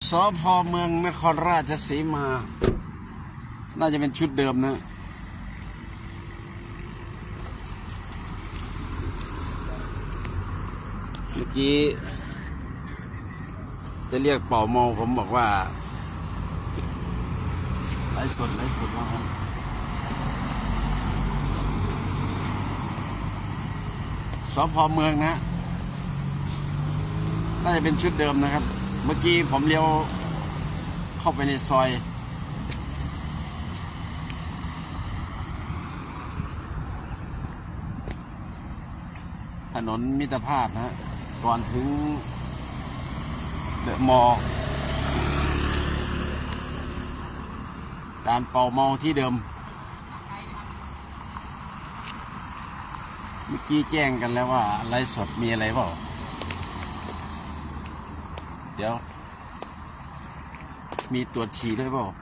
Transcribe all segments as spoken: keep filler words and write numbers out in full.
สภ.เมืองนครราชสีมา น่าจะเป็นชุดเดิมนะเมื่อกี้จะเรียกเป่าเมาผมบอกว่าไลฟ์สดไลฟ์สดว่าครับสภ.เมืองนะน่าจะเป็นชุดเดิมนะครับเมื่อกี้ผมเลี้ยวเข้าไปในซอยถนนมิตรภาพนะก่อนถึงเดอะมอลล์การเป่าเมาที่เดิมเมื่อกี้แจ้งกันแล้วว่าไลฟ์สดมีอะไรเปล่าเดี๋ยวมีตรวจฉี่ด้วยเปล่า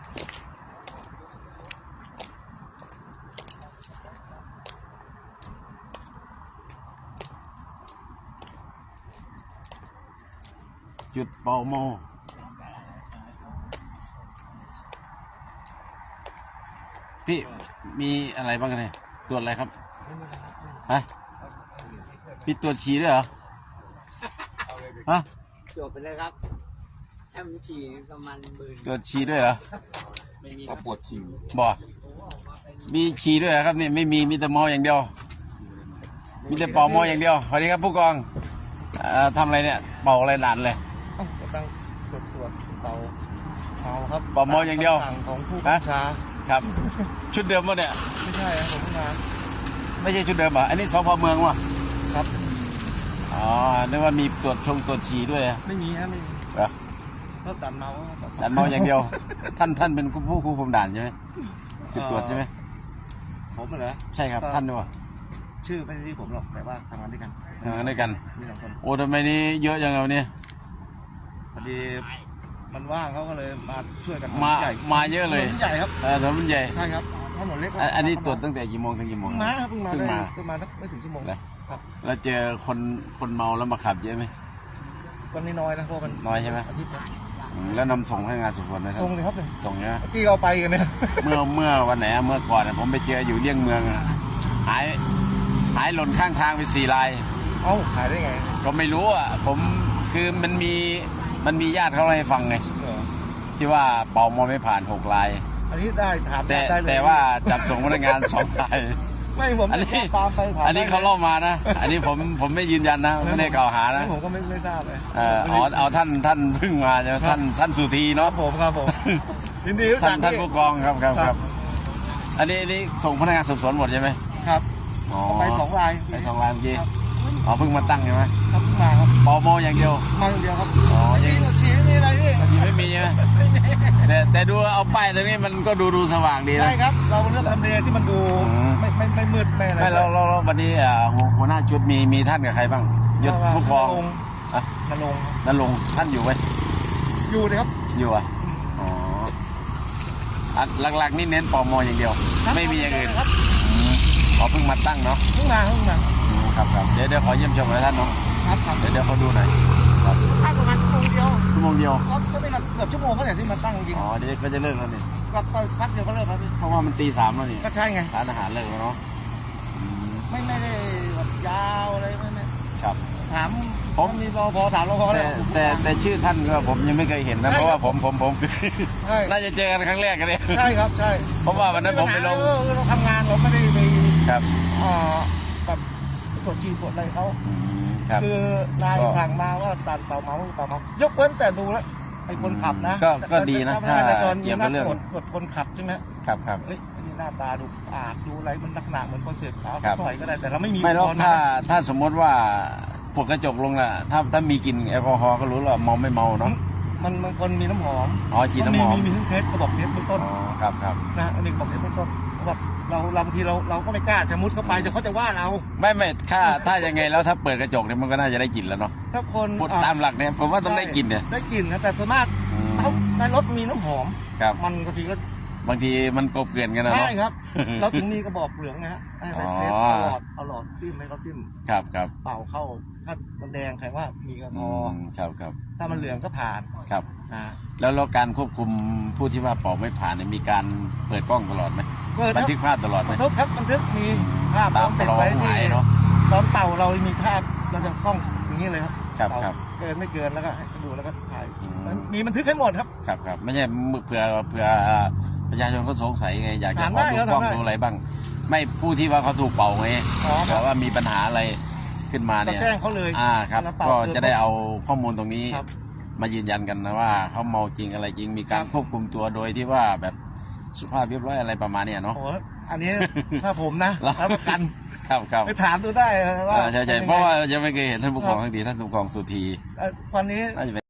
จุดเป่าเมาพี่มีอะไรบ้างกันเนี่ยตรวจอะไรครับฮะมีตรวจฉี่ด้วยเหรอฮะจบไปเลยครับแอมฉี่ประมาณหมื่นตรวจฉี่ด้วยเหรอไม่มีก็ปวดฉี่บ่มีฉี่ด้วยเหรอครับเนี่ยไม่มีมีแต่เมาอย่างเดียวมีแต่เป่าเมาอย่างเดียวสวัสดีครับผู้กองทำอะไรเนี่ยเป่าอะไรนานเลยก็ตั้งตรวจตรวจเป่าเมาครับเป่าเมาอย่างเดียวของผู้บัญชาครับชุดเดิมป่ะเนี่ยไม่ใช่ครับผมงานไม่ใช่ชุดเดิมอ่ะอันนี้สภ.เมืองวะครับอ๋อนึกว่ามีตรวจชงตรวจฉี่ด้วยไม่มีฮะไม่มีเหรอก็ตัดเมาตัดเมาอย่างเดียวท่านท่านเป็นผู้ควบคุมด่านใช่ไหมจุดตรวจใช่ไหมผมเหรอใช่ครับท่านด้วยชื่อไม่ใช่ที่ผมหรอกแต่ว่าทำงานด้วยกันทำงานด้วยกันมีสองคนโอ้ทำไมนี้เยอะจังเลยเนี่ยพอดีมันว่างเขาก็เลยมาช่วยกันมามาเยอะเลยถนนใหญ่ครับเออถนนใหญ่ใช่ครับถนนเล็กอันนี้ตรวจตั้งแต่กี่โมงถึงกี่โมงมาครับเพิ่งมาเพิ่งมาเพิ่งมาสักไม่ถึงชั่วโมงแล้วครับแล้วเจอคนคนเมาแล้วมาขับเยอะไหมวันนี้น้อยนะเพราะมันน้อยใช่ไหมแล้วนำส่งให้งานสืบสวนนะครับส่งเลยครับส่งเนี้ยที่เราไปกันเนี่ยเมื่อเมื่อวันไหนเมื่อก่อนผมไปเจออยู่เลี่ยงเมืองหายหายหล่นข้างทางไปสี่รายเอ้าหายได้ไงก็ไม่รู้อ่ะผมคือมันมีมันมีญาติเขาให้ฟังไงที่ว่าเป่าเมาไม่ผ่านหกรายอันนี้ได้ถามแต่ได้เลยแต่ว่าจับส่งพนักงานสองรายไม่ผมอันนี้ตามไปถามอันนี้เขาเล่ามานะอันนี้ผมผมไม่ยืนยันนะไม่ได้กล่าวหานะผมก็ไม่ไม่ทราบเลยเอออ๋อเอาท่านท่านเพิ่งมาใช่ไหมท่านท่านสุธีเนาะผมครับผมยินดีท่านท่านผู้กองครับครับครับอันนี้อันนี้ส่งพนักงานสอบสวนหมดใช่ไหมครับไปสองรายไปสองรายเมื่อกี้อ๋อเพิ่งมาตั้งใช่ไหมครับเพิ่งมาครับเป่าเมาอย่างเดียวมาอย่างเดียวครับอ๋อยังฉี่ไม่มีอะไรพี่ไม่มีใช่ไหมแต่แต่ดูเอาป้ายตรงนี้มันก็ดูดูสว่างดีนะใช่ครับเราเลือกทำเลที่มันดูไม่ไม่ไม่มืดไม่อะไรไม่เราเราวันนี้อ่าหัวหน้าชุดมีมีท่านกับใครบ้างยศผู้กองอ่ะนรงนรงท่านอยู่ไหมอยู่เลยครับอยู่อ่ะอ๋อหลักๆนี่เน้นเป่าเมาอย่างเดียวไม่มีอย่างอื่นขอเพิ่งมาตั้งเนาะเพิ่งมาเพิ่งมาครับครับเดี๋ยวเดี๋ยวขอเยี่ยมชมหน่อยท่านเนาะครับครับเดี๋ยวเดี๋ยวเขาดูหน่อยครับตั้งประมาณชั่วโมงเดียวชั่วโมงเดียวเขาเขาได้กันเกือบชั่วโมงเขาเนี่ยที่มาตั้งจริงอ๋อเดี๋ยวก็จะเลิกแล้วนี่ก็ก็พักเดียวก็เลิกแล้วพี่เพราะว่ามันตีสามแล้วนี่ก็ใช่ไงร้านอาหารเลิกแล้วเนาะไม่ไม่ได้แบบยาวอะไรไม่ไม่ครับถามผมมีรอพอถามรอพอเลยแต่แต่ชื่อท่านก็ผมยังไม่เคยเห็นนะเพราะว่าผมผมผมน่าจะเจอกันครั้งแรกกันเลยใช่ครับใช่เพราะว่าวันนั้นผมไปลงเราทำงานเราไม่ได้ไปครับอ่าแบบตรวจฉี่ตรวจอะไรเขาคือนายสั่งมาว่าตัดเป่าเมาเป่าเมายกเว้นแต่ดูแล้วไอ้คนขับนะก็ก็ดีนะถ้าเกี่ยวกับเรื่องตรวจคนขับใช่ไหมครับครับเฮ้ยหน้าตาดูอาดดูอะไรมันลักษณะเหมือนคนเสพขาวถอยก็ได้แต่เราไม่มีไม่หรอกถ้าถ้าสมมติว่าปกกระจกลงน่ะถ้าถ้ามีกลิ่นแอลกอฮอล์ก็รู้แล้วเมาไม่เมาเนาะมันบางคนมีน้ำหอมอ๋อฉีดน้ำหอมมีมีทั้งเทสกระบอกเทสเบื้องต้นอ๋อครับครับนะอันนี้กระบอกเทสเบื้องต้นแบบเราเราบางทีเราเราก็ไม่กล้าจะมุดเข้าไปเดี๋ยวเขาจะว่าเราไม่ไม่ถ้าถ้ายังไงแล้วถ้าเปิดกระจกเนี่ยมันก็น่าจะได้กลิ่นแล้วเนาะถ้าคนตามหลักเนี่ยผมว่าต้องได้กลิ่นเนี่ยได้กลิ่นนะแต่ส่วนมากเขาในรถมีน้ำหอมมันบางทีก็บางทีมันกบเกลื่อนกันนะใช่ครับเราถึงมีกระบอกเหลืองนะฮะให้เทสเอาหลอดเอาหลอดจิ้มให้เขาจิ้มครับครับเป่าเข้าถ้ามันแดงแสดงว่ามีแอลกอฮอล์ครับครับถ้ามันเหลืองก็ผ่านครับอ่าแล้วแล้วการควบคุมผู้ที่ว่าเป่าไม่ผ่านเนี่ยมีการเปิดกล้องตลอดไหมเปิดคบันรับทึกภาพตลอดไหมบันทึกครับบันทึกมีภาพตามติดรอไว้หที่มายเนาะตอนเป่าเรามีภาพเราจะกล้องอย่างนี้เลยครับครับเป่าครับเกินไม่เกินแล้วก็ให้ดูแล้วก็ถ่ายอืมมันมีบันทึกให้หมดครับครับครับไม่ใช่เผื่อเผื่อประชาชนเขาสงสัยไงอยากจะถามขอได้ดูครับกล้องถามได้ดูอะไรบ้าง ไม่ผู้ที่ว่าเขาถูกเป่าไงอ๋อครับบอกว่ามีปัญหาอะไรขึ้นมาก็เนี่ยแจ้งเขาเลยอ่าครับแล้วเป่าก็เกินจะได้เอาข้อมูลตรงนี้ครับมายืนยันกันนะว่าเขาเมาจริงอะไรจริงมีการครับควบคุมตัวโดยที่ว่าแบบสุภาพเรียบร้อยอะไรประมาณเนี้ยเนาะโอ้โหอันนี้ถ้าผมนะแล้วรับประกันครับครับไปถามดูได้ว่าอ่าใช่ใช่ป็นยังไงเพราะว่ายังไม่เคยเห็นท่านผู้กองทั้งทีท่านผู้กองสุธีเอ่อวันนี้น่าจะเป็น